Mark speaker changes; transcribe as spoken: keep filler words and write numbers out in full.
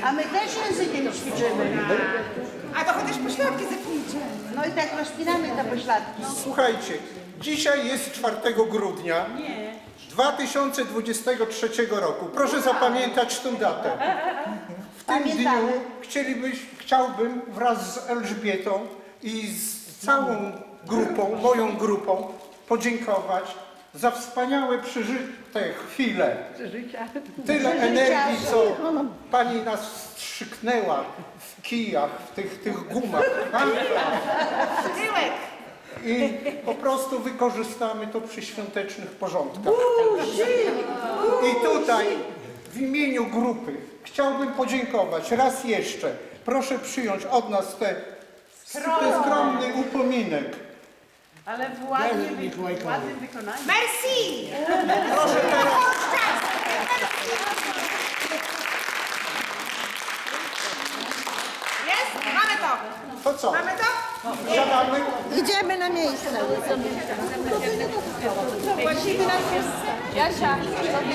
Speaker 1: A my też językiem ćwiczymy.
Speaker 2: A to chociaż pośladki zepnijcie.
Speaker 1: No i tak rozpinamy te pośladki.
Speaker 3: Słuchajcie, dzisiaj jest czwartego grudnia dwa tysiące dwudziestego trzeciego roku. Proszę zapamiętać tę datę. W tym
Speaker 1: Pamiętamy.
Speaker 3: dniu chcielibyś, chciałbym wraz z Elżbietą i z całą grupą, moją grupą, podziękować za wspaniałe przeżyte chwile. Tyle energii, co pani nas wstrzyknęła w kijach, w tych, tych gumach.
Speaker 2: Tyłek.
Speaker 3: I po prostu wykorzystamy to przy świątecznych porządkach. I tutaj w imieniu grupy chciałbym podziękować raz jeszcze. Proszę przyjąć od nas te, ten skromny upominek.
Speaker 4: Ale w ładnym, w ładnym wykonaniu.
Speaker 2: Merci!
Speaker 3: Proszę teraz.
Speaker 2: Jest? Mamy to.
Speaker 3: To co?
Speaker 2: Mamy to?
Speaker 3: Siadamy?
Speaker 1: Idziemy na miejsce.
Speaker 4: Jasia,